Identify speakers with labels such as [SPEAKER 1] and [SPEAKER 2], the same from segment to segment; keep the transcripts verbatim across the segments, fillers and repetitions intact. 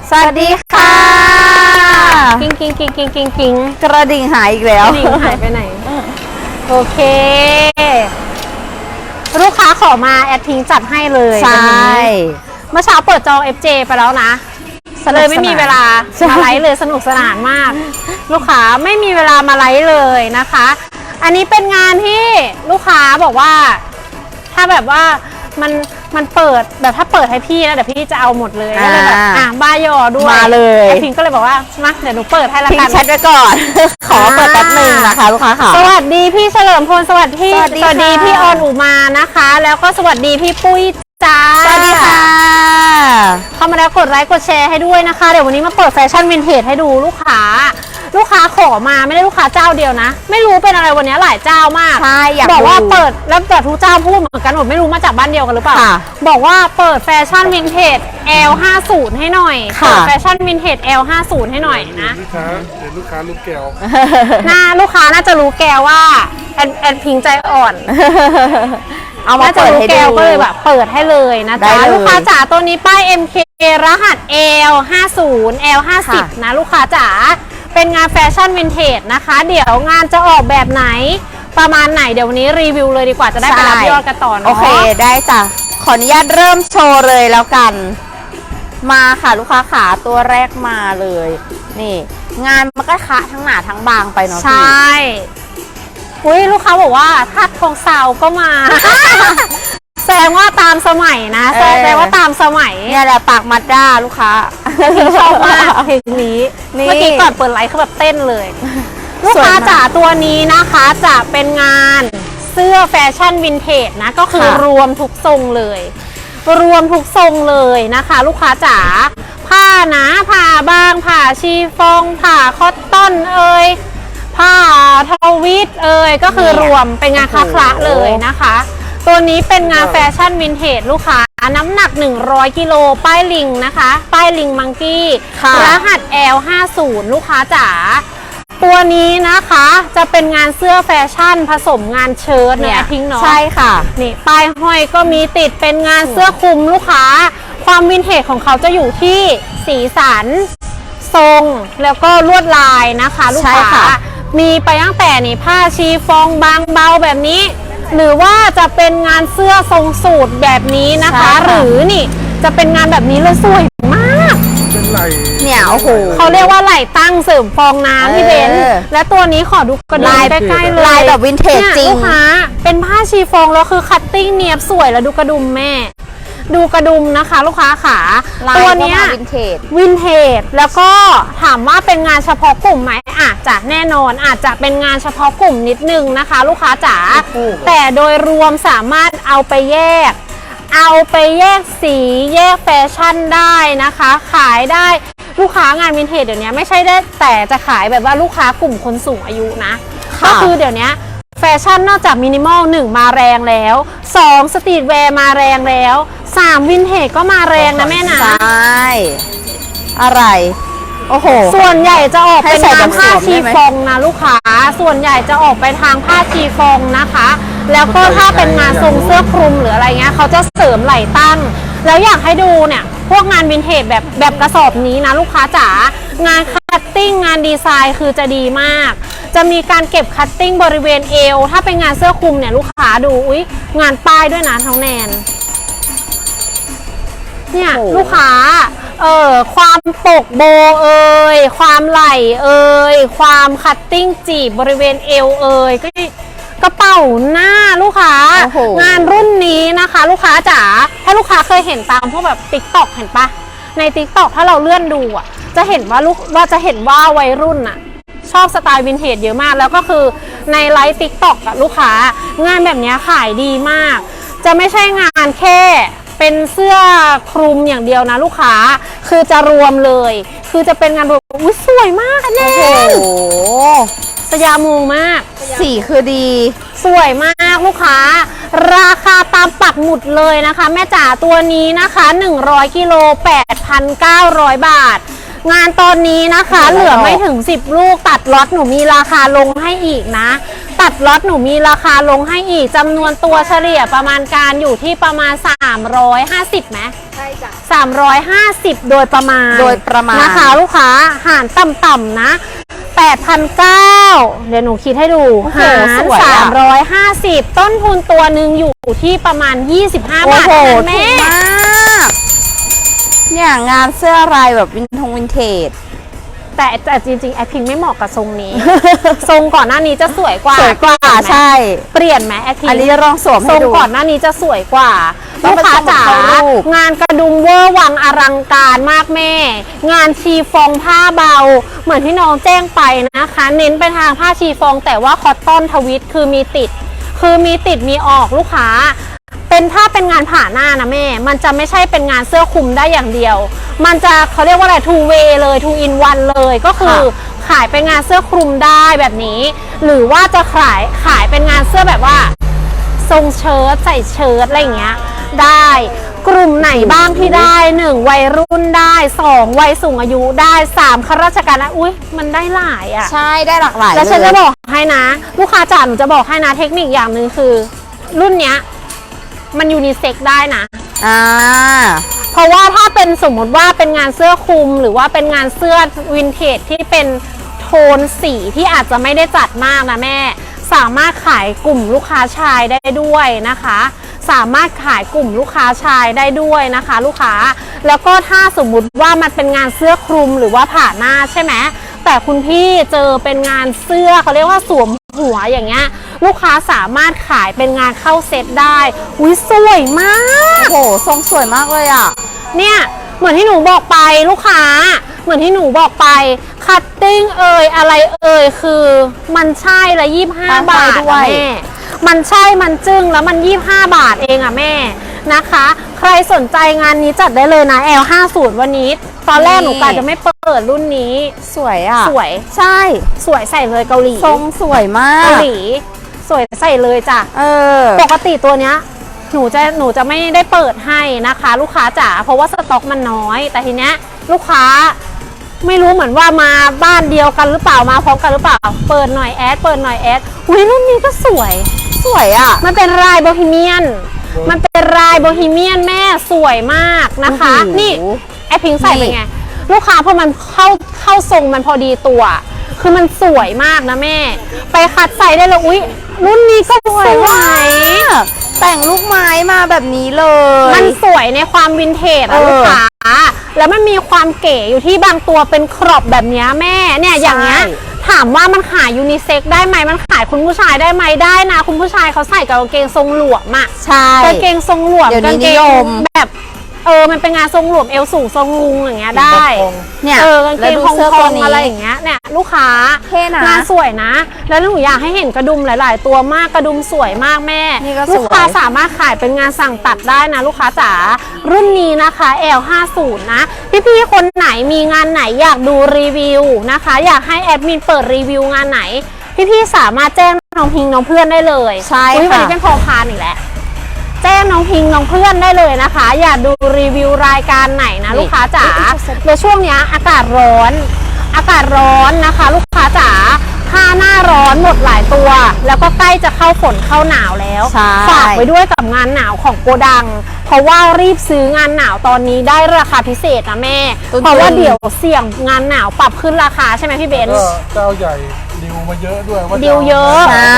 [SPEAKER 1] สวัสดีค่ะ
[SPEAKER 2] กิ้งกิ้งกิ้งกิ้งกิ้งกิ้ง
[SPEAKER 1] กระดิ่งหายอีกแล้ว
[SPEAKER 2] กระดิ่งหายไปไหนโอเคลูกค้าขอมาแอดทิ้งจัดให้เลย
[SPEAKER 1] ใช่
[SPEAKER 2] เมื่อเช้าเปิดจอง เอฟ เจ ไปแล้วนะเลยไม่มีเวลามาไลฟ์เลยสนุกสนานมากลูกค้าไม่มีเวลามาไลฟ์เลยนะคะอันนี้เป็นงานที่ลูกค้าบอกว่าถ้าแบบว่ามันมันเปิดแบบถ้าเปิดให้พี่นะเดี๋ยวพี่จะเอาหมดเลยก็เลยแบบอ่ะบ้ายอด้วย
[SPEAKER 1] มาเลย
[SPEAKER 2] พิงก็เลยบอกว่ามาเดี๋ยวหนูเปิดให้ละกัน
[SPEAKER 1] พิงแชทไว้ก่อนขอเปิดแป๊บนึงนะคะลูกค้าค่ะ
[SPEAKER 2] สวัสดีพี่เฉลิมพลสวัสดีสวัสดีพี่ออนอุมานะคะแล้วก็สวัสดีพี่ปุ้ยจ้า
[SPEAKER 1] สวัสดีค่ะ
[SPEAKER 2] เข้ามาแล้วกดไลค์กดแชร์ให้ด้วยนะคะเดี๋ยววันนี้มาเปิดแฟชั่นวินเทจให้ดูลูกค้าลูกค้าขอมาไม่ได้ลูกค้าเจ้าเดียวนะไม่รู้เป็นอะไรวันนี้หลายเจ้ามาก
[SPEAKER 1] ใช่อยาก
[SPEAKER 2] บอกว่าเปิดแล้วแต่ทุกเจ้าพูดเหมือนกันหมดไม่รู้มาจากบ้านเดียวกันหรือเปล่าบอกว่าเปิดแฟชั่นวินเทจ แอล ห้าสิบ ให้หน่อยเปิดแฟชั่นวินเทจ แอล ห้าสิบ ให้หน่อยนะ
[SPEAKER 3] ลูกค้าเดี๋ยวลูกค้ารู้แก้ว
[SPEAKER 2] น่าลูกค้าน่าจะรู้แกวว่าแอนแอนพิงใจอ่อน
[SPEAKER 1] เอามาเปิดให้ดู
[SPEAKER 2] ก็เลยแบบเปิดให้เลยนะจ๊ะลูกค้าจ๋าตัวนี้ป้าย เอ็ม เค รหัส แอล ห้าสิบ แอล ห้าสิบ นะลูกค้าจ๋าเป็นงานแฟชั่นวินเทจนะคะเดี๋ยวงานจะออกแบบไหนประมาณไหนเดี๋ยววันนี้รีวิวเลยดีกว่าจะได้ไปรับยอดกันต่อเนาะ
[SPEAKER 1] โอเคได้จ้ะขออนุญาตเริ่มโชว์เลยแล้วกันมาค่ะลูกค้าขาตัวแรกมาเลยนี่งานมันก็คะทั้งหนาทั้งบางไปเนาะ
[SPEAKER 2] ใช่อุ้ยลูกค้าบอกว่าทัดทองสาวก็มาแสดงว่าตามสมัยนะแสดงว่าตามสมัย
[SPEAKER 1] เนี่ยแหละปากมัดด้าลูกค้า
[SPEAKER 2] ชอบมากเพลงนี้เมื่อกี้ก่อนเปิดไลฟ์เขาแบบเต้นเลยลูกค้าจ๋าตัวนี้นะคะจะเป็นงานเสื้อแฟชั่นวินเทจนะก็คือรวมทุกทรงเลยรวมทุกทรงเลยนะคะลูกค้าจ๋าผ้าหนาผ้าบางผ้าชีฟองผ้าคอตตอนเอ่ยผ้าทวิตเอ่ยก็คือรวมเป็นงานคละคละเลยนะคะตัวนี้เป็นงานแฟชั่นวินเทจลูกค้าน้ำหนักหนึ่งร้อยกิโลป้ายลิงนะคะป้ายลิงมังกี้รหัส แอล ห้าสิบ ลูกค้าจ๋าตัวนี้นะคะจะเป็นงานเสื้อแฟชั่นผสมงานเชิ้ตเนี่ยทิ้งเนาะ
[SPEAKER 1] ใช่ค่ะ
[SPEAKER 2] นี่ป้ายห้อยก็มีติดเป็นงานเสื้อคลุมลูกค้าความวินเทจของเขาจะอยู่ที่สีสันทรงแล้วก็ลวดลายนะคะลูกค้ามีไปตั้งแต่นี่ผ้าชีฟองบางเบาแบบนี้หรือว่าจะเป็นงานเสื้อทรงสูทแบบนี้นะคะหรือนี่จะเป็นงานแบบนี้เลยสวยมาก
[SPEAKER 3] เป็นไหล
[SPEAKER 1] เนี่ยโอ้โห
[SPEAKER 2] เขาเรียกว่าไหลตั้งเสริมฟองน้ำพี่เบนและตัวนี้ขอดูกระดุมใกล้ๆเลย
[SPEAKER 1] ลายแบบวินเทจจริง
[SPEAKER 2] ลูกค้าเป็นผ้าชีฟองแล้วคือคัตติ้งเนียบสวยแล้วดูกระดุมแม่ดูกระดุมนะคะลูกค้าขาตัวนี้
[SPEAKER 1] วินเทจ
[SPEAKER 2] วินเทจแล้วก็ถามว่าเป็นงานเฉพาะกลุ่มไหมอาจจะแน่นอนอาจจะเป็นงานเฉพาะกลุ่มนิดนึงนะคะลูกค้าจ๋าแต่โดยรวมสามารถเอาไปแยกเอาไปแยกสีแยกแฟชั่นได้นะคะขายได้ลูกค้างานวินเทจเดี๋ยวนี้ไม่ใช่ได้แต่จะขายแบบว่าลูกค้ากลุ่มคนสูงอายุนะก็คือเดี๋ยวนี้แฟชั่นนอกจากมินิมอลหนึ่งมาแรงแล้วสองสตรีทแวร์มาแรงแล้วสามวินเทจก็มาแรงนะแม่นะ
[SPEAKER 1] ใช่อะไรโอ้โห
[SPEAKER 2] ส่วนใหญ่จะออกเป็นงานผ้าชีฟองนะลูกค้าส่วนใหญ่จะออกไปทางผ้าชีฟองนะคะแล้วก็ถ้าเป็นงานทรงเสื้อคลุมหรืออะไรเงี้ยเขาจะเสริมไหล่ตั้งแล้วอยากให้ดูเนี่ยพวกงานวินเทจแบบแบบกระสอบนี้นะลูกค้าจ๋างานคัตติ้งงานดีไซน์คือจะดีมากจะมีการเก็บคัตติ้งบริเวณเอวถ้าเป็นงานเสื้อคลุมเนี่ยลูกค้าดูอุ๊ยงานป้ายด้วยนะท้องแนนเนี่ยลูกค้าเออความปกโบเอ่ยความไหล่เอ่ยความคัตติ้งจีบบริเวณเอวเอ่ยก็กระเป๋าหน้าลูกค้างานรุ่นนี้นะคะลูกค้าจ๋าถ้าลูกค้าเคยเห็นตามพวกแบบติ๊กต็อกเห็นปะในติ๊กต็อกถ้าเราเลื่อนดูอ่ะจะเห็นว่าลูกว่าจะเห็นว่าวัยรุ่นอ่ะชอบสไตล์วินเทจเยอะมากแล้วก็คือในไลฟ์ติ๊กต็อกอะลูกค้างานแบบนี้ขายดีมากจะไม่ใช่งานแค่เป็นเสื้อคลุมอย่างเดียวนะลูกค้าคือจะรวมเลยคือจะเป็นงานรวมอุ้ยสวยมากแน่โอ้โหสยามงมาก
[SPEAKER 1] สีคือดี
[SPEAKER 2] สวยมากลูกค้าราคาตามปักหมุดเลยนะคะแม่จ๋าตัวนี้นะคะหนึ่งร้อยกิโล แปดพันเก้าร้อย บาทงานตอนนี้นะคะ เหลือไม่ถึงสิบลูกตัดล็อตหนูมีราคาลงให้อีกนะ ตัดล็อตหนูมีราคาลงให้อีกจำนวนตัวเฉลี่ยประมาณการอยู่ที่ประมาณสามร้อยห้าสิบไหมใช่จ้ะสามร้อยห้าสิบโดยประมาณ
[SPEAKER 1] โดยประมาณ
[SPEAKER 2] นะคะลูกค้าหารต่ำๆนะแปดพันเก้าเดี๋ยวหนูคิดให้ดูหารสามร้อยห้าสิบต้นทุนตัวหนึ่งอยู่ที่ประมาณยี่สิบห้าบาท
[SPEAKER 1] โอ้โห
[SPEAKER 2] แม่
[SPEAKER 1] ถูกมากเนี่ยงานเสื้อลายแบบวินทงวินเทจ
[SPEAKER 2] แต่แต่จริงๆไอพิงไม่เหมาะกับทรงนี้ ทรงก่อนหน้านี้จะสวยกว่า
[SPEAKER 1] สวยกว่าใช่
[SPEAKER 2] เปลี่ยนไหมไอพิง
[SPEAKER 1] อันนี้ลองสวม
[SPEAKER 2] ท
[SPEAKER 1] ให้
[SPEAKER 2] รง
[SPEAKER 1] ดู
[SPEAKER 2] ก่อนหน้านี้จะสวยกว่า
[SPEAKER 1] ต้อ
[SPEAKER 2] ลู
[SPEAKER 1] ง
[SPEAKER 2] ก
[SPEAKER 1] เป็น
[SPEAKER 2] ค้า
[SPEAKER 1] ทรง
[SPEAKER 2] จ๋า
[SPEAKER 1] เข้ารูป
[SPEAKER 2] งานกระดุมเวอร์วังอลังการมากแม่ งานชีฟองผ้าเบา เหมือนที่น้องแจ้งไปนะคะ เน้นไปทางผ้าชีฟองแต่ว่าคอตตอนทวิตคือมีติด คือมีติดมีออกลูกค้า เป็นถ้าเป็นงานผ่าหน้านะแม่ มันจะไม่ใช่เป็นงานเสื้อคลุมได้อย่างเดียว มันจะเขาเรียกว่าอะไร two way เลย two in one เลยก็คือขายเป็นงานเสื้อคลุมได้แบบนี้ หรือว่าจะขายขายเป็นงานเสื้อแบบว่าทรงเชิ้ตใส่เชิ้ตอะไรอย่างเงี้ยได้กลุ่มไหนบ้างที่ได้หนึ่งวัยรุ่นได้สองวัยสูงอายุได้สามข้าราชการนะอุ้ยมันได้หลายอ่ะ
[SPEAKER 1] ใช่ได้หลากหลาย
[SPEAKER 2] แล้วฉัน
[SPEAKER 1] เล
[SPEAKER 2] จะ
[SPEAKER 1] ย
[SPEAKER 2] บอกให้นะ ลูกค้าจ๋าหนูจะบอกให้นะเทคนิคอย่างหนึ่งคือ รุ่นเนี้ยมันยูนิเซ็กได้นะ
[SPEAKER 1] อ่า
[SPEAKER 2] เพราะว่าถ้าเป็นสมมติว่าเป็นงานเสื้อคลุมหรือว่าเป็นงานเสื้อวินเทจที่เป็นโทนสีที่อาจจะไม่ได้จัดมากนะแม่สามารถขายกลุ่มลูกค้าชายได้ด้วยนะคะ สามารถขายกลุ่มลูกค้าชายได้ด้วยนะคะ ลูกค้าแล้วก็ถ้าสมมุติว่ามันเป็นงานเสื้อคลุมหรือว่าผ่าหน้าใช่ไหมแต่คุณพี่เจอเป็นงานเสื้อเขาเรียกว่าสวมหัวอย่างเงี้ยลูกค้าสามารถขายเป็นงานเข้าเซตได้อุ้ยสวยมาก
[SPEAKER 1] โอ้โหทรงสวยมากเลยอ่ะ
[SPEAKER 2] เนี่ยเหมือนที่หนูบอกไปลูกค้าเหมือนที่หนูบอกไปคัตติ้งเอ่ยอะไรเอ่ยคือมันใช่ละยี่สิบห้าบาท
[SPEAKER 1] ด้ว
[SPEAKER 2] อะ
[SPEAKER 1] ย
[SPEAKER 2] แม่มันใช่มันจึ้งแล้วมันยี่สิบห้าบาทเองอะแม่นะคะ ใครสนใจงานนี้จัดได้เลยนะ แอล ห้าสิบ วันนี้ตอนแรกหนูกะจะไม่เปิดรุ่นนี้
[SPEAKER 1] สวยอ่ะ
[SPEAKER 2] สวย
[SPEAKER 1] ใช่
[SPEAKER 2] สวยใส่เลยเกาหลี
[SPEAKER 1] ทรงสวยมา
[SPEAKER 2] เกาก หลีสวยใส่เลยจ้ะ
[SPEAKER 1] เออ
[SPEAKER 2] ปกติตัวเนี้ยหนูจะหนูจะไม่ได้เปิดให้นะคะ ลูกค้าจ๋าเพราะว่าสต็อกมันน้อย แต่ทีเนี้ยลูกค้าไม่รู้เหมือนว่ามาบ้านเดียวกันหรือเปล่ามาพร้อมกันหรือเปล่าเปิดหน่อยแอดเปิดหน่อยแอดอุ้ยรุ่นนี้ก็สวย
[SPEAKER 1] สวยอ่ะ
[SPEAKER 2] มันเป็นลายโบฮีเมียนมันเป็นลายโบฮีเมียนแม่สวยมากนะคะ
[SPEAKER 1] โอ้โห
[SPEAKER 2] นี่ไอพิงค์ใส่เป็นไงลูกค้าพอมันเข้าเข้าทรงมันพอดีตัว คือมันสวยมากนะแม่ ไปคัดใส่ได้เลยอุ้ยรุ่นนี้ก็สวย
[SPEAKER 1] มากแต่งลูกไม้มาแบบนี้เลย
[SPEAKER 2] มันสวยในความวินเทจ
[SPEAKER 1] เอ
[SPEAKER 2] อะ
[SPEAKER 1] อ
[SPEAKER 2] ลูกค้าแล้วมันมีความเก๋อยู่ที่บางตัวเป็นครอบแบบเนี้ยแม่เนี่ยอย่างเงี้ย
[SPEAKER 1] ใช่
[SPEAKER 2] ถามว่ามันขายยูนิเซ็กได้ไหมมันขายคุณผู้ชายได้ไหมได้นะ คุณผู้ชายเขาใส่กับกางเกงทรงหลวมอะ
[SPEAKER 1] ใช่
[SPEAKER 2] กางเกงทรงหลวม
[SPEAKER 1] เดี๋ยวนี้
[SPEAKER 2] กางเก
[SPEAKER 1] นิ
[SPEAKER 2] ง
[SPEAKER 1] ยม
[SPEAKER 2] แบบเออมันเป็นงานทรงหลวมเอวสูงทรงลุงอย่างเงี้ยได้
[SPEAKER 1] เนี่ย
[SPEAKER 2] เออกางเก
[SPEAKER 1] แล้ว
[SPEAKER 2] ง
[SPEAKER 1] ดู
[SPEAKER 2] พอง
[SPEAKER 1] เสื้อ
[SPEAKER 2] พ
[SPEAKER 1] ตั
[SPEAKER 2] อ
[SPEAKER 1] ว
[SPEAKER 2] ง
[SPEAKER 1] นี้
[SPEAKER 2] อะไรอย่างเงี้ยเนี่ยลูกค้า
[SPEAKER 1] เท่นะ
[SPEAKER 2] งานสวยนะ แล้วหนูอยากให้เห็นกระดุมหลาย ๆ ตัวมากกระดุมสวยมากแม่
[SPEAKER 1] นี่ก็สวย
[SPEAKER 2] ลูกค้าสามารถขายเป็นงานสั่งตัดได้นะลูกค้าจ๋ารุ่นนี้นะคะ แอล ห้าสิบ นะพี่ๆคนไหนมีงานไหนอยากดูรีวิวนะคะ อยากให้แอดมินเปิดรีวิวงานไหนพี่ๆสามารถแจ้งน้องพิงน้องเพื่อนได้เลย
[SPEAKER 1] ใช่
[SPEAKER 2] อุ๊ยวัน
[SPEAKER 1] ค่ะ
[SPEAKER 2] นี้เป็นพอพานอีกแล้วแจ้งน้องพิงน้องเพื่อนได้เลยนะคะ อยากดูรีวิวรายการไหนนะลูกค้าจ๋าในช่วงนี้อากาศร้อน อากาศร้อนนะคะ ลูกค้าจ๋าถ้าหน้าร้อนหมดหลายตัว แล้วก็ใกล้จะเข้าฝนเข้าหนาวแล้ว
[SPEAKER 1] ใช่
[SPEAKER 2] ฝากไว้ด้วยกับงานหนาวของโกดัง เพราะว่ารีบซื้องานหนาวตอนนี้ได้ราคาพิเศษนะแม่
[SPEAKER 1] ตุ้นๆ
[SPEAKER 2] เพราะว่าเดี๋ยวเสี่ยงงานหนาวปรับขึ้นราคาใช่ไหมพี่เบน
[SPEAKER 3] ก็
[SPEAKER 2] ซ์
[SPEAKER 3] เจ้าใหญ่ดิวมาเยอะด้วยว่า
[SPEAKER 2] ดิวเยอะ
[SPEAKER 1] ใช่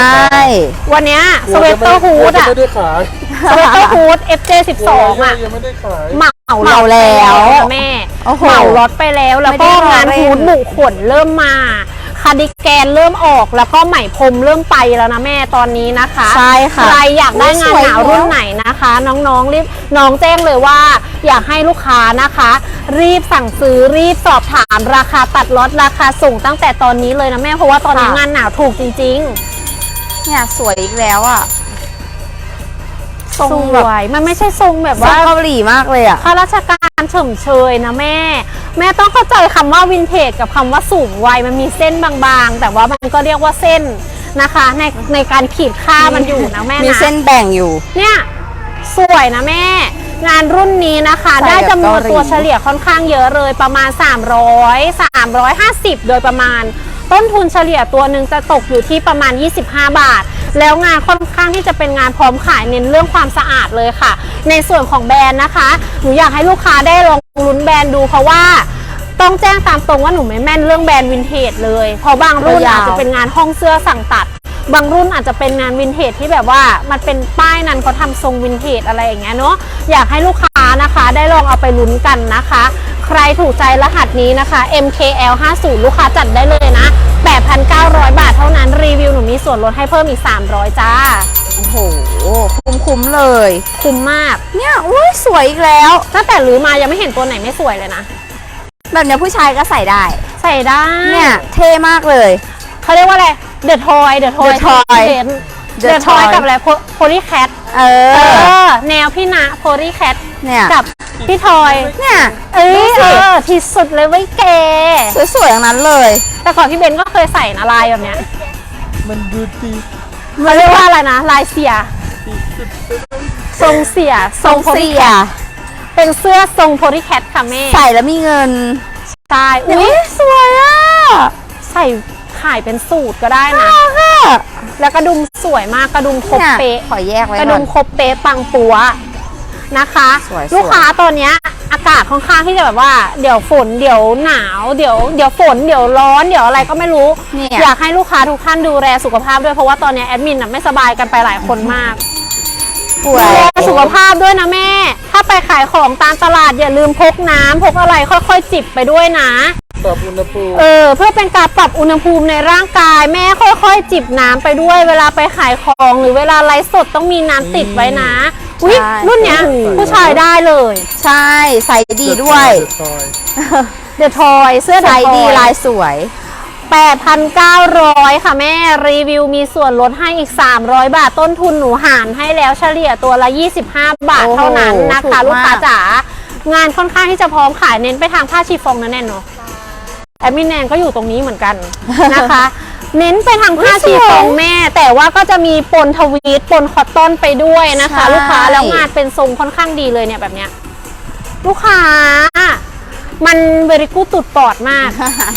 [SPEAKER 2] วันเนี้ยสเวตเตอร์ฮูด
[SPEAKER 3] อะ
[SPEAKER 2] อะ
[SPEAKER 3] ไม่ได้ขาย
[SPEAKER 2] สเวตเตอร์ฮูด เอฟ เจ สิบสอง อะ
[SPEAKER 3] ยังไม่ได้ขาย
[SPEAKER 2] เหมา
[SPEAKER 1] เหมาแล้ว
[SPEAKER 2] แม่
[SPEAKER 1] โอ้โห
[SPEAKER 2] เหมาล็อตไปแล้วแล้ว
[SPEAKER 1] ไม่
[SPEAKER 2] ก็
[SPEAKER 1] ได้รอง
[SPEAKER 2] าน
[SPEAKER 1] เล่น
[SPEAKER 2] ฮูดบุขนเริ่มมาคาร์ดิแกนเริ่มออกแล้วก็ไหมพรมเริ่มไปแล้วนะแม่ตอนนี้นะคะ
[SPEAKER 1] ใช่ค่ะ
[SPEAKER 2] ใครอยากได้งานหนาว
[SPEAKER 1] สวย
[SPEAKER 2] รุ่น
[SPEAKER 1] เนอะ
[SPEAKER 2] ไหนนะคะ น้องๆรีบน้องแจ้งเลยว่า อยากให้ลูกค้านะคะ รีบสั่งซื้อรีบสอบถามราคาตัดล็อตราคาส่งตั้งแต่ตอนนี้เลยนะแม่เพราะว่าตอนนี้งานหนาวถูกจริง
[SPEAKER 1] เนี่ยสวยอีกแล้วอ่ะ
[SPEAKER 2] ๆ
[SPEAKER 1] ทรง
[SPEAKER 2] ส
[SPEAKER 1] แบบ
[SPEAKER 2] วยมันไม่ใช่ทรงแบบ
[SPEAKER 1] ทรง
[SPEAKER 2] ว่า
[SPEAKER 1] เกาหลีมากเลยอ่ะ
[SPEAKER 2] ข้าราชการเฉมเชยนะแม่ แม่ต้องเข้าใจคำว่าวินเทจกับคำว่าสูงวัยมันมีเส้นบางๆ แต่ว่ามันก็เรียกว่าเส้นนะคะ ในในการขีดค่ามันอยู่นะแม่นะ
[SPEAKER 1] มีเส้นแบ่งอยู่
[SPEAKER 2] เนี่ยสวยนะแม่งานรุ่นนี้นะคะ
[SPEAKER 1] ใส่
[SPEAKER 2] ได้จำนวน
[SPEAKER 1] แบบเกาหลี
[SPEAKER 2] ตัวเฉลี่ยค่อนข้างเยอะเลยประมาณ สามร้อย สามร้อยห้าสิบ โดยประมาณต้นทุนเฉลี่ยตัวหนึ่งจะตกอยู่ที่ประมาณ ยี่สิบห้า บาท แล้วงานค่อนข้างที่จะเป็นงานพร้อมขายเน้นเรื่องความสะอาดเลยค่ะ ในส่วนของแบรนด์นะคะหนูอยากให้ลูกค้าได้ลองลุ้นแบรนด์ดูเพราะว่าต้องแจ้งตามตรงว่าหนูไม่แม่นเรื่องแบรนด์วินเทจเลยเพราะบางรุ่น
[SPEAKER 1] ยาว
[SPEAKER 2] อาจจะเป็นงานห้องเสื้อสั่งตัด บางรุ่นอาจจะเป็นงานวินเทจที่แบบว่ามันเป็นป้ายนั้นเขาทำทรงวินเทจอะไรอย่างเงี้ยเนาะอยากให้ลูกค้านะคะได้ลองเอาไปลุ้นกันนะคะ ใครถูกใจรหัสนี้นะคะ เอ็ม เค แอล ห้าสิบ ลูกค้าจัดได้เลยนะ แปดพันเก้าร้อย บาทเท่านั้นรีวิวหนูมีส่วนลดให้เพิ่มอีกสามร้อยจ้า
[SPEAKER 1] โอ้โหคุ้มๆเลย
[SPEAKER 2] คุ้มมาก
[SPEAKER 1] เนี่ยอุ้ยสวยอีกแล้ว
[SPEAKER 2] ตั้งแต่รื้อมายังไม่เห็นตัวไหนไม่สวยเลยนะ
[SPEAKER 1] แบบเนี้ยผู้ชายก็ใส่ได้
[SPEAKER 2] ใส่ได้
[SPEAKER 1] เนี่ยเท่มากเลย
[SPEAKER 2] เขาเรียกว่าอะไรเดอะทอยเดอะทอย
[SPEAKER 1] The Toy
[SPEAKER 2] เด
[SPEAKER 1] The
[SPEAKER 2] อะทอย
[SPEAKER 1] Toy
[SPEAKER 2] กับอะไรโพลีแคท
[SPEAKER 1] เอ
[SPEAKER 2] เอ
[SPEAKER 1] อ
[SPEAKER 2] อแนวพี่ณโพลีแคท
[SPEAKER 1] เนี่ย
[SPEAKER 2] กับพี่ทอย
[SPEAKER 1] เนี่ย
[SPEAKER 2] เอ้
[SPEAKER 1] ดู
[SPEAKER 2] ย
[SPEAKER 1] สิ
[SPEAKER 2] เออที่สุดเลยไว้ยแก
[SPEAKER 1] สวยๆอย่างนั้นเลย
[SPEAKER 2] แต่ก่อนพี่เบนก็เคยใส่นะลายแบบเนี้ย
[SPEAKER 3] มันดูดี
[SPEAKER 2] มันเรียกว่าอะไรนะ ลายเสีย ทรงเสีย
[SPEAKER 1] ทรงเสีย
[SPEAKER 2] เป็นเสื้อทรงโพลีแคทค่ะแม่
[SPEAKER 1] ใส่แล้วมีเงิน
[SPEAKER 2] ใช่
[SPEAKER 1] อุ้
[SPEAKER 2] อุ้
[SPEAKER 1] ย
[SPEAKER 2] ย
[SPEAKER 1] สวยอ่ะ
[SPEAKER 2] ใส่ขายเป็นสูตรก็ได้นะ
[SPEAKER 1] น่าค่ะ
[SPEAKER 2] แล้วกระดุมสวยมากกระดุมครบ
[SPEAKER 1] เนี่ย
[SPEAKER 2] เป๊ะ
[SPEAKER 1] ขอแยกไว้
[SPEAKER 2] กระ
[SPEAKER 1] ก่
[SPEAKER 2] ดุ
[SPEAKER 1] อน
[SPEAKER 2] มครบเป๊ะปังปัวนะคะ
[SPEAKER 1] สวยๆ
[SPEAKER 2] ลูกค้าตอนเนี้ยอากาศค่อนข้างที่จะแบบว่าเดี๋ยวฝนเดี๋ยวหนาวเดี๋ยวเดี๋ยวฝนเดี๋ยวร้อนเดี๋ยวอะไรก็ไม่รู้
[SPEAKER 1] เนี่ย
[SPEAKER 2] อยากให้ลูกค้าทุกท่านดูแลสุขภาพด้วยเพราะว่าตอนเนี้ยแอดมินน่ะไม่สบายกันไปหลายคนมาก
[SPEAKER 1] ป่ว
[SPEAKER 2] ดู
[SPEAKER 1] ย
[SPEAKER 2] แลสุขภาพด้วยนะแม่ ถ้าไปขายของตามตลาดอย่าลืมพกน้ำพกอะไรค่อยๆจิบไปด้วยนะ
[SPEAKER 3] ปรับอุณหภูมิ
[SPEAKER 2] เออเพื่อเป็นการปรับอุณหภูมิในร่างกายแม่ค่อยๆ จิบน้ำไปด้วย เวลาไปขายของหรือเวลาไลฟ์สดต้องมีน้ำติดไว้นะอุ้ย
[SPEAKER 1] ใช่
[SPEAKER 2] รุ่นเนี้ยผู้ชายได้เลย
[SPEAKER 1] ใช่ใส่ดีด้วย
[SPEAKER 3] ซอย
[SPEAKER 2] เดอะทอยเสื้อ
[SPEAKER 1] ใส่ดีลายสวย
[SPEAKER 2] แปดพันเก้าร้อยค่ะแม่รีวิวมีส่วนลดให้อีกสามร้อยบาทต้นทุนหนูหารให้แล้วเฉลี่ยตัวละยี่สิบห้าบาท
[SPEAKER 1] โอ้โห
[SPEAKER 2] เท่านั้นนะคะ
[SPEAKER 1] ถูกมาก
[SPEAKER 2] ลูกค้าจ๋างานค่อนข้างที่จะพร้อมขายเน้นไปทางผ้าชีฟองนะแน่นเนาะแอดมินแนนก็อยู่ตรงนี้เหมือนกัน นะคะ เน้นไปทางผ้าชีฟองแม่ แต่ว่าก็จะมีปนทวีตปนคอตตอนไปด้วยนะคะ
[SPEAKER 1] ใช่
[SPEAKER 2] ลูกค้าแล้วงานเป็นทรงค่อนข้างดีเลยเนี่ยแบบเนี้ยลูกค้ามันเวริกูตุดปอดมาก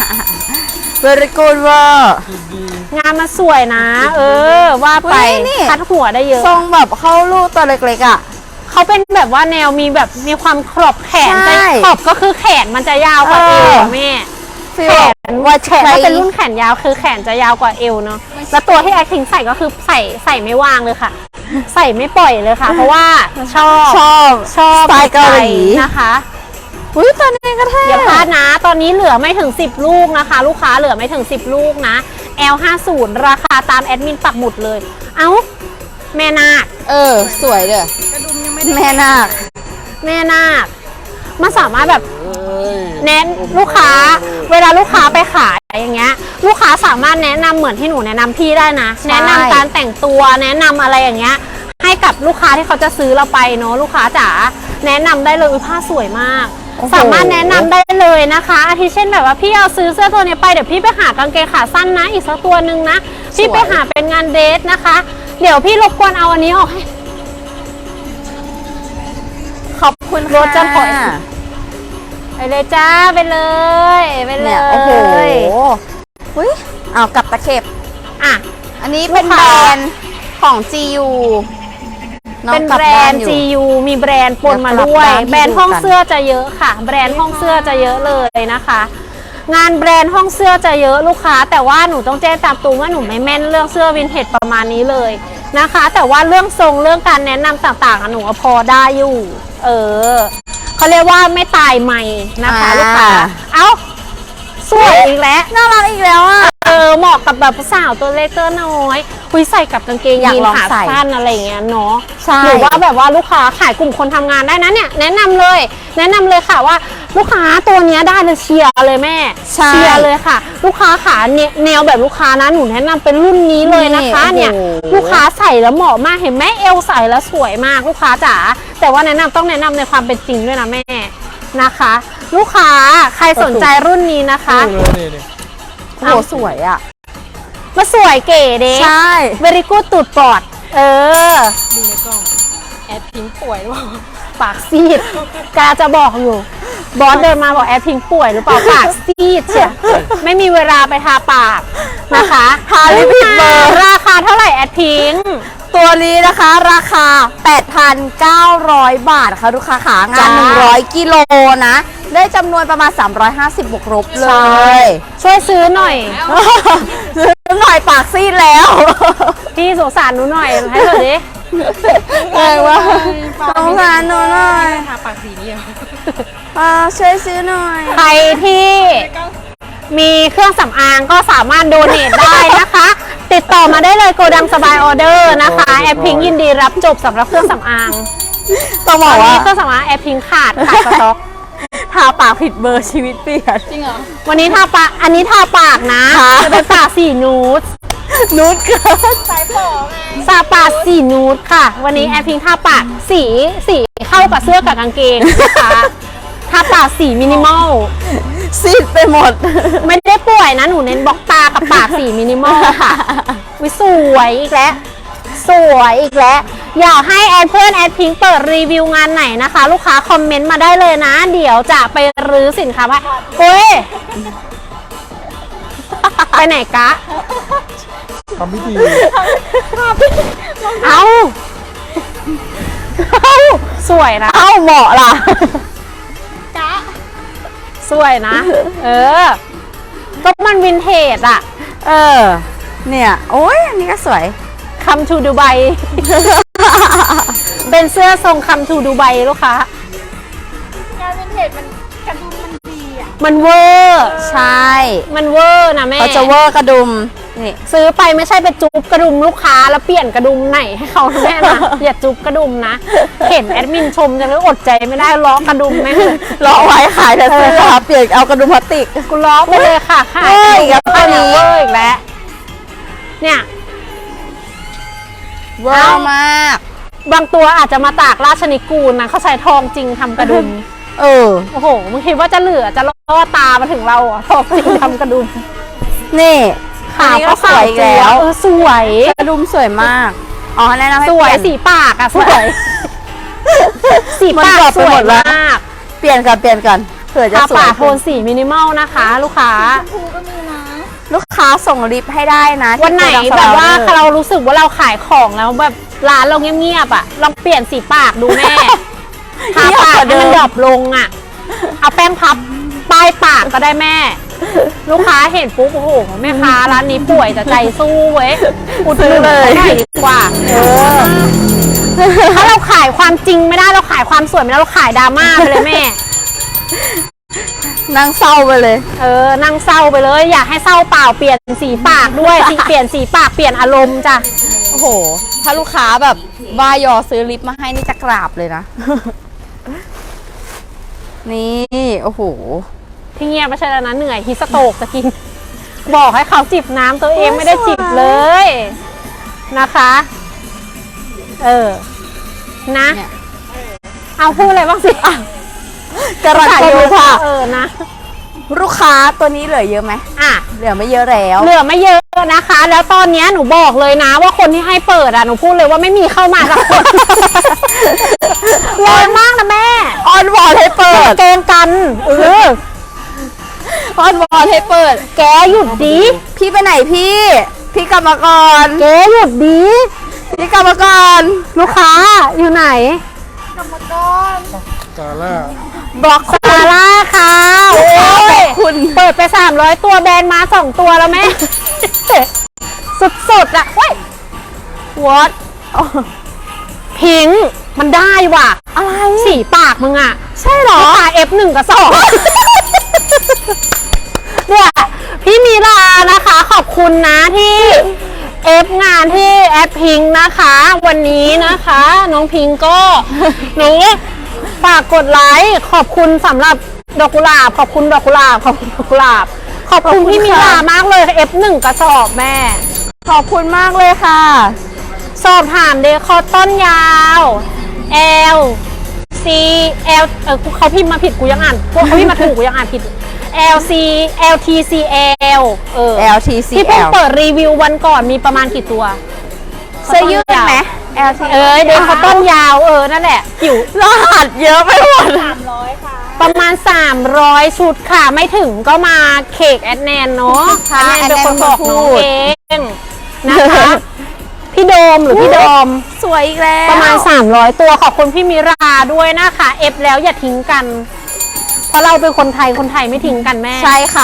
[SPEAKER 1] very good เวอร์
[SPEAKER 2] งานมาสวยนะ เออ ว่าไป
[SPEAKER 1] เฮ้ยนี่
[SPEAKER 2] คัดหัวได้เยอะ
[SPEAKER 1] ทรงแบบเข้าลูกตัวเล็กๆอ่ะ
[SPEAKER 2] เขาเป็นแบบว่าแนวมีแบบมีความขอบแขน
[SPEAKER 1] ใช่
[SPEAKER 2] จะขอบก็คือแขนมันจะยาวกว่า
[SPEAKER 1] เอ
[SPEAKER 2] เอ
[SPEAKER 1] อ
[SPEAKER 2] วอะแม่
[SPEAKER 1] ฟีล
[SPEAKER 2] แข
[SPEAKER 1] แบบ
[SPEAKER 2] น
[SPEAKER 1] ว่า
[SPEAKER 2] แขนถ้าเป็นรุ่นแขนยาวคือแขนจะยาวกว่าเอวเนาะแล้วตัวที่แอคทิงใส่ก็คือใส่ใส่ไม่วางเลยค่ะ ใส่ไม่ปล่อยเลยค่ะ เพราะว่าชอบ
[SPEAKER 1] ชอบ
[SPEAKER 2] ชอบ
[SPEAKER 1] สไตล์เกาหลี
[SPEAKER 2] นะคะ
[SPEAKER 1] อุ้ยตัวนี้ก็เท่
[SPEAKER 2] อย่าพลาดนะ ตอนนี้เหลือไม่ถึงสิบลูกนะคะ ลูกค้าเหลือไม่ถึงสิบลูกนะ แอล ห้าสิบ ราคาตามแอดมินปักหมุดเลย เอ้า แม่นาค
[SPEAKER 1] เออ สวยเด้อแม่นาค
[SPEAKER 2] แม่นาคมันสามารถแบบ
[SPEAKER 3] เอ้ย
[SPEAKER 2] แนะลูกค้า เวลาลูกค้าไปขายอย่างเงี้ย ลูกค้าสามารถแนะนำเหมือนที่หนูแนะนำพี่ได้นะ
[SPEAKER 1] ใช่
[SPEAKER 2] แนะนำการแต่งตัว แนะนำอะไรอย่างเงี้ย ให้กับลูกค้าที่เขาจะซื้อเราไปเนาะลูกค้าจ๋า แนะนำได้เลยอุ๊ยผ้าสวยมาก
[SPEAKER 1] โอ้โห
[SPEAKER 2] สามารถแนะนำได้เลยนะคะอาทิเช่นแบบว่าพี่เอาซื้อเสื้อตัวนี้ไปเดี๋ยวพี่ไปหากางเกงขาสั้นนะ อีกสักตัวหนึ่งนะ พี่ไปหาเป็นงานเดทนะคะ เดี๋ยวพี่รบกวนเอาอันนี้ออกให้
[SPEAKER 1] ขอบคุณ
[SPEAKER 2] รถจะถอย
[SPEAKER 1] ค่ะ
[SPEAKER 2] ไปเลยจ้าไปเลยไปเล
[SPEAKER 1] เนี่ย
[SPEAKER 2] ย
[SPEAKER 1] โอ้โหอุ้ยเอากลับตะเข็บ
[SPEAKER 2] อ่ะ
[SPEAKER 1] อันนี้เป็น
[SPEAKER 2] ลูก
[SPEAKER 1] แบร
[SPEAKER 2] ค้า
[SPEAKER 1] นด์ของ จี ยู อง
[SPEAKER 2] เป็น
[SPEAKER 1] กลั
[SPEAKER 2] แบร
[SPEAKER 1] บ้าน
[SPEAKER 2] ด์
[SPEAKER 1] อยู่
[SPEAKER 2] จี ยู มีแบรนด์ปนมา
[SPEAKER 1] เดี๋ยวกลับ
[SPEAKER 2] ด้วย
[SPEAKER 1] บ้านให้
[SPEAKER 2] แบรนด์ห้อง
[SPEAKER 1] ดูกัน
[SPEAKER 2] เสื้อจะเยอะค่ะ แบรนด์ห้องเสื้อจะเยอะเลยนะคะ งานแบรนด์ห้องเสื้อจะเยอะลูกค้า แต่ว่าหนูต้องแจ้งตามตรงว่าหนูไม่แม่นเรื่องเสื้อวินเทจประมาณนี้เลยนะคะ แต่ว่าเรื่องทรงเรื่องการแนะนำต่างๆอะหนูก็พอได้อยู่ เออเขาเรียกว่าไม่ตายใหม่นะคะ
[SPEAKER 1] อ่า
[SPEAKER 2] ลูกค้าเอ้าสวยอีกแล้ว
[SPEAKER 1] น่ารักอีกแล้วอ่ะ
[SPEAKER 2] เออเหมาะกับแบบสาวตัวเล็กตัวน้อยคุยใส่กับกางเกง
[SPEAKER 1] อยาก
[SPEAKER 2] ยีน
[SPEAKER 1] ลอง
[SPEAKER 2] ขา
[SPEAKER 1] ใส่
[SPEAKER 2] สั้นอะไรอย่างเงี้ยเนาะ
[SPEAKER 1] ใช่
[SPEAKER 2] หรือว่าแบบว่าลูกค้าขายกลุ่มคนทำงานได้นะเนี่ยแนะนำเลย แนะนำเลยค่ะว่าลูกค้าตัวเนี้ยได้เลยเชียร์เลยแม่
[SPEAKER 1] ใช่
[SPEAKER 2] เชียร์เลยค่ะ ลูกค้าขาเนี่ยแนวแบบลูกค้านะหนูแนะนำเป็นรุ่นนี้เลยนะคะ
[SPEAKER 1] นี่
[SPEAKER 2] เนี่ย
[SPEAKER 1] โอ้โห
[SPEAKER 2] ลูกค้าใส่แล้วเหมาะมากเห็นไหมเอวใส่แล้วสวยมากลูกค้าจ๋าแต่ว่าแนะนำต้องแนะนำในความเป็นจริงด้วยนะแม่นะคะ ลูกค้าใครสนใจรุ่นนี้นะคะ
[SPEAKER 3] ดูเลยนี่นี่
[SPEAKER 1] โอ้โหสวยอ่ะ
[SPEAKER 2] มาสวยเก๋เด้
[SPEAKER 1] ใช่
[SPEAKER 2] เวริกูตูดปอด เออ
[SPEAKER 4] ดูในกล้อง แอดพิงป่วยหรือเปล่า
[SPEAKER 2] ปากซีดกาจะบอกอยู่ บอสเดินมาบอกแอดพิงป่วยหรือเปล่าปากซีดเชียไม่มีเวลาไปทาปากนะคะ
[SPEAKER 1] ทาลิปผิดเบอร์
[SPEAKER 2] ราคาเท่าไหร่แอดพิง
[SPEAKER 1] ตัวนี้นะคะราคา แปดพันเก้าร้อย บาทค่ะลูกค้าขางาน
[SPEAKER 2] จ้า
[SPEAKER 1] หนึ่งร้อยกิโลนะ ได้จำนวนประมาณ สามร้อยห้าสิบ บวกลบเลย
[SPEAKER 2] ช่วยซื้อหน่อย
[SPEAKER 1] ซื้อหน่อยปากซีดแล้ว
[SPEAKER 2] พี่สงสารหนูหน่อยให้เถอะดิ
[SPEAKER 1] อะไรวะสงสารหนูหน่อย
[SPEAKER 3] ทาปากสีนี้เหรอ
[SPEAKER 1] อ่าช่วยซื้อหน่อย
[SPEAKER 2] ใครที่มีเครื่องสำอางก็สามารถโดเนทได้นะคะ ติดต่อมาได้เลยโกดังสบายออเดอร์นะคะแอปพิงยินดีรับจบสำหรับเครื่องสำอาง
[SPEAKER 1] ต้องบ
[SPEAKER 2] ต
[SPEAKER 1] อ
[SPEAKER 2] อก น
[SPEAKER 1] ว่า
[SPEAKER 2] นี้เครื่องสำอางแอปพิงขาดขาดสต็อก
[SPEAKER 1] ทาปากผิดเบอร์ชีวิตเปลี่ยน
[SPEAKER 3] จริงเหรอ
[SPEAKER 2] วันนี้ทาปากอันนี้ทาปากนะ
[SPEAKER 1] ค่ะ
[SPEAKER 2] จะเป็นปากสีนูด
[SPEAKER 1] นุชเกิน
[SPEAKER 3] สายฝอไง
[SPEAKER 2] ซาปากสีนูดค่ะ วันนี้แอปพิงทาปากสีสีเข้ากับเสื้อกับกางเกงนะคะทาปากสีมินิมอล
[SPEAKER 1] ซีดไปหมด
[SPEAKER 2] ไม่ได้ป่วยนะหนูเน้นบล็อกตากับปากสีมินิมอลค่ะวิสวยอีกแล้วสวยอีกแล้วอยากให้แอดเพื่อนแอดพิงเปิดรีวิวงานไหนนะคะ ลูกค้าคอมเมนต์มาได้เลยนะ เดี๋ยวจะไปรื้อสินค้าว่าโอ้ยไปไหนกะ
[SPEAKER 3] ทำพิธี
[SPEAKER 2] เอาเอาสวยนะ
[SPEAKER 1] เอ้าเหมาะล่ะ
[SPEAKER 2] สวยนะ เออก็มันวินเทจอะ
[SPEAKER 1] เออ เนี่ย โอ้ยอันนี้ก็สวย
[SPEAKER 2] คัมทูดูไบ เป็นเสื้อทรงคัมทูดูไบลูกค้า
[SPEAKER 3] งานวินเทจมันกระดุมมันดีอ่ะ
[SPEAKER 2] มันเวอร์
[SPEAKER 1] ใช่
[SPEAKER 2] มันเวอร์นะแม่
[SPEAKER 1] เขาจะเวอร์กระดุม นี่
[SPEAKER 2] ซื้อไปไม่ใช่ไปจุ๊บกระดุมลูกค้าแล้วเปลี่ยนกระดุมไหนให้เขานะแม่นะ อย่าจุ๊บกระดุมนะ เห็นแอดมินชมจะเลยอดใจไม่ได้ล้อกระดุมแม่งเลย
[SPEAKER 1] รอไว้ขายแต่เสื้อเปลี่ยนเอากระดุมพลาสติก
[SPEAKER 2] กูล้อไปเลยค่ะขาย
[SPEAKER 1] เฮ้ยอีกแล้วตัวนี้
[SPEAKER 2] เวอร์อีกแล้วเนี่ย
[SPEAKER 1] เวอร์มาก
[SPEAKER 2] บางตัวอาจจะมาตากราชนิกูลนะเขาใช้ทองจริงทำกระดุม
[SPEAKER 1] เออ
[SPEAKER 2] โอ้โหมึงคิดว่าจะเหลือจะล่อตามาถึงเราเหรอ่ะทองจริงทำกระดุม
[SPEAKER 1] นี่
[SPEAKER 2] ขาว
[SPEAKER 1] อันนี้
[SPEAKER 2] ก็
[SPEAKER 1] ก็สวยอีกแล้ว
[SPEAKER 2] เออสวย
[SPEAKER 1] กระดุมสวยมาก อ๋อแนะนำให้
[SPEAKER 2] สวย
[SPEAKER 1] เปลี่น
[SPEAKER 2] สีปากอะสวย สี
[SPEAKER 1] มัน
[SPEAKER 2] ปาก
[SPEAKER 1] กรอบ
[SPEAKER 2] ส
[SPEAKER 1] ไป
[SPEAKER 2] ว
[SPEAKER 1] หม
[SPEAKER 2] ย
[SPEAKER 1] ดแล้ว
[SPEAKER 2] มาก
[SPEAKER 1] เปลี่ยนก่อนเปลี่ยนก่อนเผื่อจะ
[SPEAKER 2] ทา
[SPEAKER 1] สว
[SPEAKER 2] ปาย กโทนสีมินิมอลนะคะ ลูกค้า
[SPEAKER 3] ครูก็มีนะ
[SPEAKER 1] ลูกค้าส่งลิฟต์ให้ได้นะที่
[SPEAKER 2] วันไหน
[SPEAKER 1] โกดัง
[SPEAKER 2] แบบว่า
[SPEAKER 1] สล
[SPEAKER 2] เรารู้สึกว่าเราขายของแล้วแบบร้านเราเงียบๆอะลองเปลี่ยนสีปากดูแม่ ทาปากให้มันดรอปลงอะเอาแป้งพับป้ายปากก็ได้แม่ ลูกค้าเห็นปุ๊บโอ้โหแม่ค้าร้านนี้ป่วยแต่ใจสู้เว้ยอุดหนุนเขาหน่อยดีกว่าเออถ้าเราขายความจริงไม่ได้เราขายความสวยไม่ได้เราขายดราม่าไปเลยแม่
[SPEAKER 1] นั่งเศร้าไปเลย
[SPEAKER 2] เออนั่งเศร้าไปเลย อยากให้เศร้าเปล่าเปลี่ยนสีปากด้วยสีเปลี่ยนสีปากเปลี่ยนอารมณ์จ้ะ
[SPEAKER 1] โอ้โห ถ้าลูกค้าแบบว่ายอซื้อลิปมาให้นี่จะกราบเลยนะ นี่ โอ้โห
[SPEAKER 2] พี่เงียบไม่ใช่แล้วนะเหนื่อยฮิสโตกจะกิน บอกให้เขาจิบน้ำตัวเองไม่ได้จิบเลยนะคะ เออ นะ
[SPEAKER 1] เนี่ย
[SPEAKER 2] เอาพูดอะไรบ้างสิ
[SPEAKER 1] กระไรอยู่ค่ะ
[SPEAKER 2] เออนะ
[SPEAKER 1] ลูกค้าตัวนี้เหลือเยอะไหม
[SPEAKER 2] อ่ะ
[SPEAKER 1] เหลือไม่เยอะแล้ว
[SPEAKER 2] เหลือไม่เยอะนะคะ แล้วตอนเนี้ยหนูบอกเลยนะ ว่าคนที่ให้เปิดอ่ะหนูพูดเลยว่าไม่มีเข้ามาสักคนแรงมากนะแม่
[SPEAKER 1] ออนวอนให้เปิด
[SPEAKER 2] เกงกันเออ
[SPEAKER 1] ออนวอนให้เปิด
[SPEAKER 2] แกหยุดดี
[SPEAKER 1] พี่ไปไหนพี่ พี่กลับมาก่อน
[SPEAKER 2] แกหยุดดี
[SPEAKER 1] พี่กลับมาก่อน
[SPEAKER 2] ลูกค้าอยู่ไหน
[SPEAKER 3] กาล่า
[SPEAKER 1] บล็อก
[SPEAKER 2] ซาร่าค่ะ
[SPEAKER 1] โอ้
[SPEAKER 2] โอ้ย
[SPEAKER 1] ยคุณ
[SPEAKER 2] เปิดไปสามร้อยตัวแบรนด์มาสองตัวแล้วแม่ สุดๆอะเว้ย
[SPEAKER 1] วอต
[SPEAKER 2] พิงค์มันได้ว่ะ
[SPEAKER 1] อะไร
[SPEAKER 2] สีปากมึงอะ
[SPEAKER 1] ใช่เหรอ
[SPEAKER 2] ปาก เอฟ หนึ่ง กับสองเนี่ยพี่มีลานะคะ ขอบคุณนะที่เอฟงานที่แอปพิงค์นะคะ วันนี้นะคะ น้องพิงค์ก็ หนูฝากกดไลค์ขอบคุณสำหรับดอกกุหลาบ ขอบคุณดอกกุหลาบ ขอบคุณดอกกุหลาบ ขอบคุณพี่มีลามากเลย เอฟ หนึ่ง กระสอบแม่
[SPEAKER 1] ขอบคุณมากเลยค่ะ
[SPEAKER 2] สอบถามเดคอต้นยาว L C L เออเขาพิมพ์มาผิดกูยังอ่านพวกเขาพิมพ์มาถูกกูยังอ่านผิด L C L T C L เออ
[SPEAKER 1] แอล ที ซี
[SPEAKER 2] ที่เพิ่ง
[SPEAKER 1] แอล
[SPEAKER 2] เปิดรีวิววันก่อนมีประมาณกี่ตัว
[SPEAKER 1] เสื้อยืดไหมแอล ที
[SPEAKER 2] เอ้ยเดนคอตตอนยาวเออนั่นแหละผิว
[SPEAKER 1] รหัสเยอะไปหมด
[SPEAKER 3] สามร้อยค่ะ
[SPEAKER 2] ประมาณ สามร้อย ชุดค่ะไม่ถึงก็มาเคกแอดแนนเนาะ
[SPEAKER 1] ค่ะ
[SPEAKER 2] แอดแนนเป็นคนบอกน้อง
[SPEAKER 1] พูด
[SPEAKER 2] เองนะคะพี่โดมหรือพี่โดม
[SPEAKER 1] สวยอีกแล้ว
[SPEAKER 2] ประมาณ สามร้อย ตัวขอบคุณพี่มิราด้วยนะคะเอฟแล้วอย่าทิ้งกัน เพราะเราเป็นคนไทยคนไทยไม่ทิ้งกันแม่
[SPEAKER 1] ใช่ค่ะ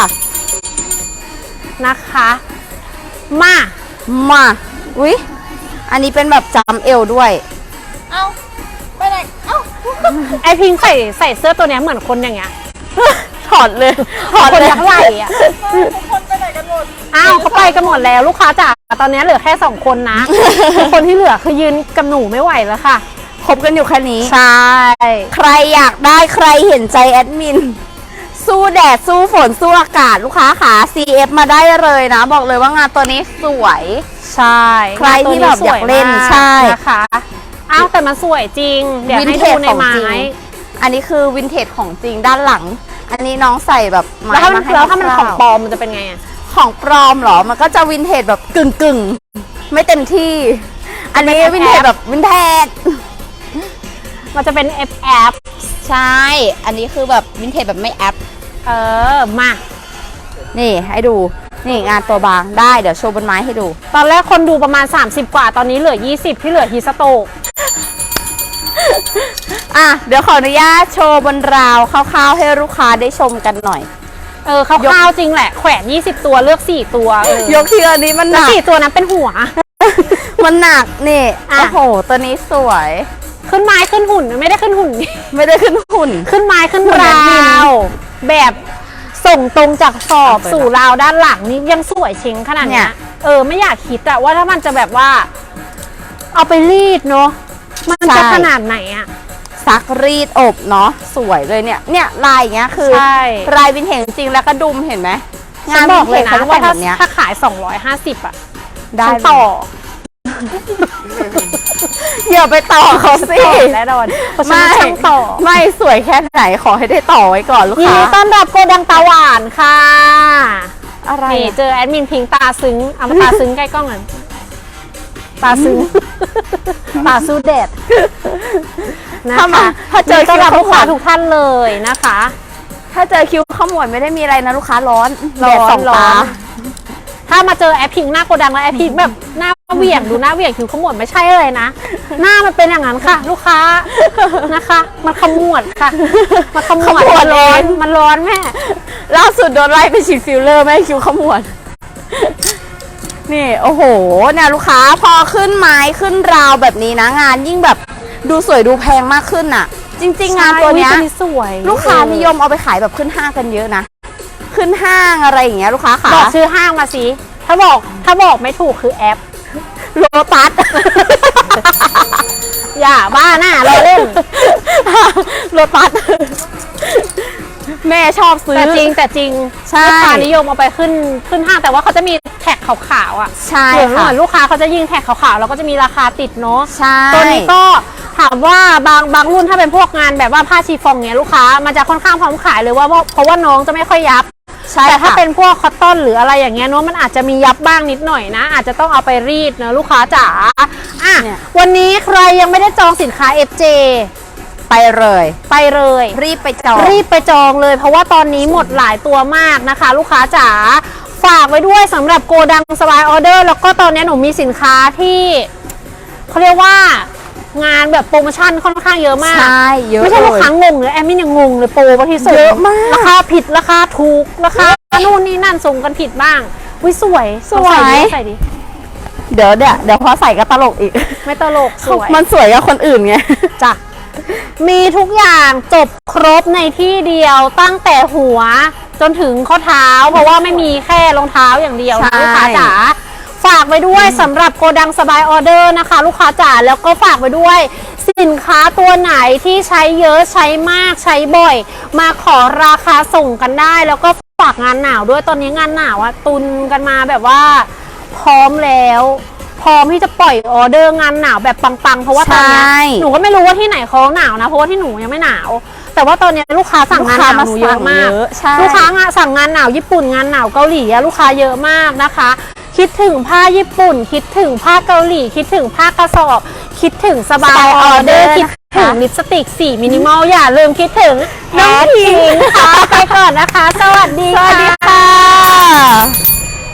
[SPEAKER 2] นะคะ มา
[SPEAKER 1] มาอุ๊ยอันนี้เป็นแบบจำเอวด้วย
[SPEAKER 3] เอ้าไปไหนเอ้า
[SPEAKER 2] ไอพิงใส่ใส่เสื้อตัวเนี้ยเหมือนคนอย่างเงี้ย
[SPEAKER 1] ถอดเลยถอด
[SPEAKER 2] คน
[SPEAKER 1] เลย
[SPEAKER 2] ยักษ์ไหล่อะ
[SPEAKER 3] ทุกคนไปไหนกันหมด
[SPEAKER 2] อ้าวเขาไปกันหมดแล้วลูกค้าจ๋าตอนนี้เหลือแค่สองคนนะ คนที่เหลือคือยืนกับหนูไม่ไหวแล้วค่ะ
[SPEAKER 1] คบกันอยู่แค่นี้
[SPEAKER 2] ใช่
[SPEAKER 1] ใครอยากได้ใครเห็นใจแอดมิน สู้แดดสู้ฝนสู้อากาศลูกค้าขา ซี เอฟ มาได้เลยนะ บอกเลยว่างานตัวนี้สวย
[SPEAKER 2] ใช่
[SPEAKER 1] ใครที่แบบอยากเล่นใช่
[SPEAKER 2] นะคะอ้าวแต่มันสวยจริง เดี๋ยว
[SPEAKER 1] วิน
[SPEAKER 2] ให้
[SPEAKER 1] เท
[SPEAKER 2] ดู
[SPEAKER 1] จ
[SPEAKER 2] ใน
[SPEAKER 1] ของ
[SPEAKER 2] ไม้
[SPEAKER 1] จริง อันนี้คือวินเทจของจริงด้านหลัง อันนี้น้องใส่แบบไม้
[SPEAKER 2] แล้วถ้ามัน
[SPEAKER 1] มาให้
[SPEAKER 2] แล้วถ้ามัน
[SPEAKER 1] ค
[SPEAKER 2] ของ
[SPEAKER 1] ร่าวๆ
[SPEAKER 2] ปลอมมันจะเป็นไงอะ
[SPEAKER 1] ของปลอมเหรอ มันก็จะวินเทจแบบกึ่งกึ่งๆ ไม่เต็มที่ อันนี้วินเทจแบบวินเทจ
[SPEAKER 2] มันจะเป็น เอฟ แอฟ
[SPEAKER 1] ใช่ อันนี้คือแบบวินเทจแบบไม่แอป
[SPEAKER 2] เออมา
[SPEAKER 1] นี่ให้ดู นี่งานตัวบางได้ เดี๋ยวโชว์บนไม้ให้ดู
[SPEAKER 2] ตอนแรกคนดูประมาณ สามสิบ กว่าตอนนี้เหลือ ยี่สิบ ที่เหลือฮีสโตก
[SPEAKER 1] อ่ะ เดี๋ยวขออนุญาตโชว์บนราวคร่าวๆให้ลูกค้าได้ชมกันหน่อย
[SPEAKER 2] เออคร่าวๆจริงแหละแขวนยี่สิบตัวเลือกสี่ตัวเออย
[SPEAKER 1] กทีละนี้มันห
[SPEAKER 2] แล้ว
[SPEAKER 1] นัก
[SPEAKER 2] สี่ตัวนั้นเป็นหัว
[SPEAKER 1] มันหนักนี่
[SPEAKER 2] อ่ะ
[SPEAKER 1] โอ้โห ตัวนี้สวย
[SPEAKER 2] ขึ้นไม้ขึ้นหุ่นไม่ได้ขึ้นหุ่น
[SPEAKER 1] ไม่ได้ขึ้นหุ่น
[SPEAKER 2] ขึ้นไม้ขึ้น
[SPEAKER 1] หุ่น
[SPEAKER 2] รา
[SPEAKER 1] แอดมิน
[SPEAKER 2] วแบบส่งตรงจากสอบ
[SPEAKER 1] เอาไป
[SPEAKER 2] สู่ราวด้านหลังนี่ยังสวยเชิงขนาด
[SPEAKER 1] เนี่
[SPEAKER 2] เนี้ย
[SPEAKER 1] ย
[SPEAKER 2] เออไม่อยากคิดอะว่าถ้ามันจะแบบว่า เอาไปรีดเนาะมันจะขนาดไหนอะ
[SPEAKER 1] ซักรีดอบเนาะสวยเลยเนี่ย เนี่ยลายอย่างเงี้ยคือ
[SPEAKER 2] ใช่
[SPEAKER 1] ลายวินเทจจริงๆแล้วก็ดุมเห็นไหม
[SPEAKER 2] งานบอกเลยนะ
[SPEAKER 1] วิทจ
[SPEAKER 2] ว่า
[SPEAKER 1] เขา
[SPEAKER 2] ถ้า
[SPEAKER 1] จะแต่งแบบเนี้ย
[SPEAKER 2] ถ้าขายสองร้อยห้าสิบอะ
[SPEAKER 1] ได้
[SPEAKER 2] ฉันต่อ
[SPEAKER 1] อย่าไปต่อเขาสิ
[SPEAKER 2] ต่อแน่นอนเพราะฉันเป็นช่างต่อ
[SPEAKER 1] ไม่สวยแค่ไหนขอให้ได้ต่อไว้ก่อนลูก
[SPEAKER 2] ยิน
[SPEAKER 1] ค้า
[SPEAKER 2] ดีต้อนรับโกดังตาหวานค่ะ
[SPEAKER 1] อะไร
[SPEAKER 2] นี่
[SPEAKER 1] อะ
[SPEAKER 2] เจอแอดมินพิงตาซึ้งเอามาตาซึ้งใกล้กล้องหน่อยตาซึ้งตาสู้แดดนะ
[SPEAKER 1] ถ้ามา
[SPEAKER 2] คะ
[SPEAKER 1] ถ้าเจอ
[SPEAKER 2] ต้
[SPEAKER 1] คิ
[SPEAKER 2] อน
[SPEAKER 1] ว
[SPEAKER 2] รับ
[SPEAKER 1] ข
[SPEAKER 2] ลูก
[SPEAKER 1] ม
[SPEAKER 2] ค้าว
[SPEAKER 1] ด
[SPEAKER 2] ทุกท่านเลยนะคะ
[SPEAKER 1] ถ้าเจอคิวขมวดไม่ได้มีอะไรนะลูกค้าร้อน
[SPEAKER 2] ร้อน
[SPEAKER 1] แดดสอง
[SPEAKER 2] ร้อ
[SPEAKER 1] ตา
[SPEAKER 2] น ถ้ามาเจอแอปพิงหน้าโกดังแล้วแอปพิงแบบหน้าเหวี่ยงดูหน้าเหวี่ยงคิวขมวดไม่ใช่เลยนะ หน้ามันเป็นอย่างนั้นค่ะ ลูกค้านะคะ มันขมวดค่ะมันขมวด
[SPEAKER 1] ขมวด
[SPEAKER 2] มันร้อน
[SPEAKER 1] เอง
[SPEAKER 2] มันร้อนแม่
[SPEAKER 1] ล่าสุดโดนไล่ไปฉีดฟิลเลอร์ไม่ให้คิวขมวด นี่โอ้โหเนี่ยลูกค้าพอขึ้นไม้ขึ้นราวแบบนี้นะงานยิ่งแบบดูสวยดูแพงมากขึ้นน่ะ จริง ๆ งานตัวเนี้ย
[SPEAKER 2] ใช่อุ๊สวย
[SPEAKER 1] ลูกค้านิยมเอาไปขายแบบขึ้นห้างกันเยอะนะ ขึ้นห้างอะไรอย่างเงี้ยลูกค้าขา
[SPEAKER 2] บอกชื่อห้างมาสิ ถ้าบอกถ้าบอกไม่ถูกคือแอป
[SPEAKER 1] โลตัส
[SPEAKER 2] อย่าบ้าหน้าเราเล่น
[SPEAKER 1] โลตัส แม่ชอบซื้อ
[SPEAKER 2] แต่จริงแต่จริง
[SPEAKER 1] ใช่
[SPEAKER 2] ลูกค้านิยมเอาไปขึ้นขึ้นห้างแต่ว่าเขาจะมีแท็กขาวๆอ่ะ
[SPEAKER 1] ใช่
[SPEAKER 2] เหมือนเห
[SPEAKER 1] ค่ะ
[SPEAKER 2] มือนลูกค้าเขาจะยิงแท็กขาวๆแล้วก็จะมีราคาติดเนาะ
[SPEAKER 1] ใช่
[SPEAKER 2] ตัวนี้ก็ถามว่าบางบางรุ่นถ้าเป็นพวกงานแบบว่าผ้าชีฟองเนี้ยลูกค้ามันจะค่อนข้างพร้อมขายเลยว่าเพราะเพราะว่าน้องจะไม่ค่อยยับ
[SPEAKER 1] ใช่
[SPEAKER 2] แต่ถ้า
[SPEAKER 1] ค่ะ
[SPEAKER 2] เป็นพวกคอตตอนหรืออะไรอย่างเงี้ยเนาะมันอาจจะมียับบ้างนิดหน่อยนะ อาจจะต้องเอาไปรีดเนอะลูกค้าจ๋าอ่ะ
[SPEAKER 1] เนี่ย
[SPEAKER 2] วันนี้ใครยังไม่ได้จองสินค้า เอฟ เจ
[SPEAKER 1] ไปเลย
[SPEAKER 2] ไปเลย
[SPEAKER 1] รีบไปจอง
[SPEAKER 2] รีบไปจองเลย เพราะว่าตอนนี้หมดหลายตัวมากนะคะ ลูกค้าจ๋าฝากไว้ด้วยสำหรับโกดังสบายออเดอร์แล้วก็ตอนนี้หนูมีสินค้าที่เขาเรียกว่างานแบบโปรโมชั่นค่อนข้างเยอะมาก
[SPEAKER 1] ใช่เยอะ
[SPEAKER 2] ไม่ใช่
[SPEAKER 1] เล
[SPEAKER 2] ลูก
[SPEAKER 1] ย
[SPEAKER 2] ค้างงเลยแอมมี่ยังงงเลยโปรบางทีส่ง
[SPEAKER 1] เยอะมาก
[SPEAKER 2] ราคาผิดราคาถูกราคานู่นนี่นั่นส่งกันผิดบ้างวิสวย
[SPEAKER 1] สวย
[SPEAKER 2] เอาใส่ดิใส่ดิ
[SPEAKER 1] เดี๋ยวเดี๋ยวเดี๋ยวพอใส่ก็ตลกอีก
[SPEAKER 2] ไม่ตลกสวย
[SPEAKER 1] มันสวยกับคนอื่นไง
[SPEAKER 2] จ้ะมีทุกอย่างจบครบในที่เดียวตั้งแต่หัวจนถึงข้อเท้า เพราะว่าไม่มีแค่รองเท้าอย่างเดียวนะ
[SPEAKER 1] ใช่
[SPEAKER 2] ลูกค้าจ๋าฝากไว้ด้วยสำหรับโกดังสบายออเดอร์นะคะ ลูกค้าจ๋าแล้วก็ฝากไว้ด้วย สินค้าตัวไหนที่ใช้เยอะใช้มากใช้บ่อย มาขอราคาส่งกันได้ แล้วก็ฝากงานหนาวด้วยตอนนี้งานหนาวอะตุนกันมาแบบว่าพร้อมแล้ว พร้อมที่จะปล่อยออเดอร์งานหนาวแบบปังๆเพราะว่าตอนเนี้ย
[SPEAKER 1] ใช่
[SPEAKER 2] หนูก็ไม่รู้ว่าที่ไหนเขาหนาวนะเพราะว่าที่หนูยังไม่หนาว แต่ว่าตอนนี้ลูกค้าสั่งงานหนาวหนูเยอะมาก
[SPEAKER 1] ลูกค้ามาสั่งเยอะใช่
[SPEAKER 2] ลูกค้างานสั่งงานหนาวญี่ปุ่นงานหนาวเกาหลีอะลูกค้าเยอะมากนะคะ คิดถึงผ้าญี่ปุ่น คิดถึงผ้าเกาหลี คิดถึงผ้ากระสอบคิดถึงสบายออเดอร์คิดถึงลิปสติกสีมินิมอลอย่าลืมคิดถึงน้องพิงค่ะไปก่อนนะคะ สวัสดี
[SPEAKER 1] สวัสดี
[SPEAKER 2] ค่ะ
[SPEAKER 1] ค่ะ